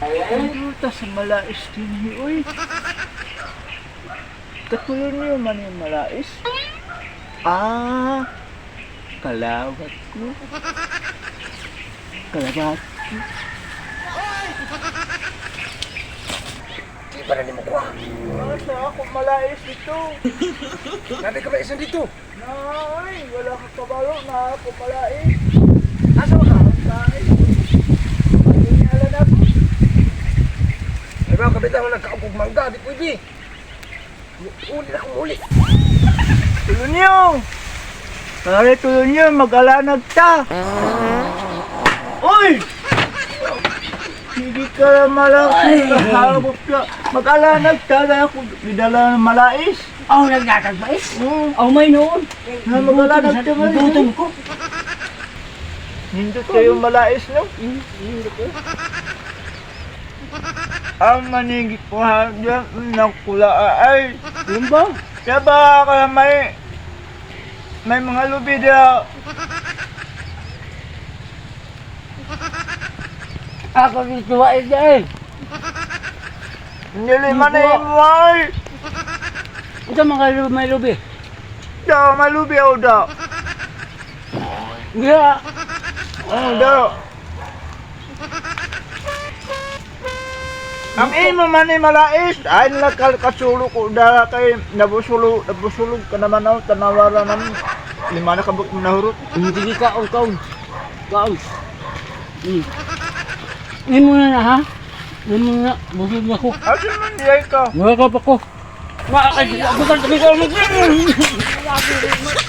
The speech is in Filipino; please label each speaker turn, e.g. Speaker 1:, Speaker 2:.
Speaker 1: Puta sa malais din uy. Katulad niyo man yung malais. Ah, kalawat ko. Kalawat ko.
Speaker 2: Di pa rin mo kuha.
Speaker 1: Nasa ako malais dito.
Speaker 2: Nabi ka ba isa dito?
Speaker 1: Nay, wala kang kabalo na ako malais.
Speaker 2: Asa ba ka?
Speaker 1: Nay, pagkinyalan ako.
Speaker 2: Ay mga kapitan mo nagkaupog mangga, di pwede. Uli na akong uli.
Speaker 1: Tulon niyo! Pare, tulon niyo, mag-alanag ta! Uy! Hindi ka malaki, kahabot ka. Mag-alanag ta, na ako bidala ng malais.
Speaker 3: Ako nagtatagpais? Ako may noon.
Speaker 1: Na mag-alanag ka man.
Speaker 3: Gutom ko.
Speaker 1: Hindot kayo malais, no? Ang manigit ko ha, dyan, nakula ay.
Speaker 3: Yun ba?
Speaker 1: Kaya ba kaya may mga lubi daw.
Speaker 3: Ako dito ay dahil.
Speaker 1: Hindi man na yung may.
Speaker 3: Ito mga may lubi.
Speaker 1: Daw, may lubi ako daw.
Speaker 3: Yeah.
Speaker 1: Daw. Ang imo man ni malais, ay nakasulo ko dala kay nabusulog ka naman ako, tanawara naman. Lima na kabuk mo nahurot.
Speaker 3: Hindi ka kaon. Kaon. Ini muna na ha? Ini muna. Busog na ko.
Speaker 1: Asin man diyay ka.
Speaker 3: Wala ka pa ko. Makakagod ako.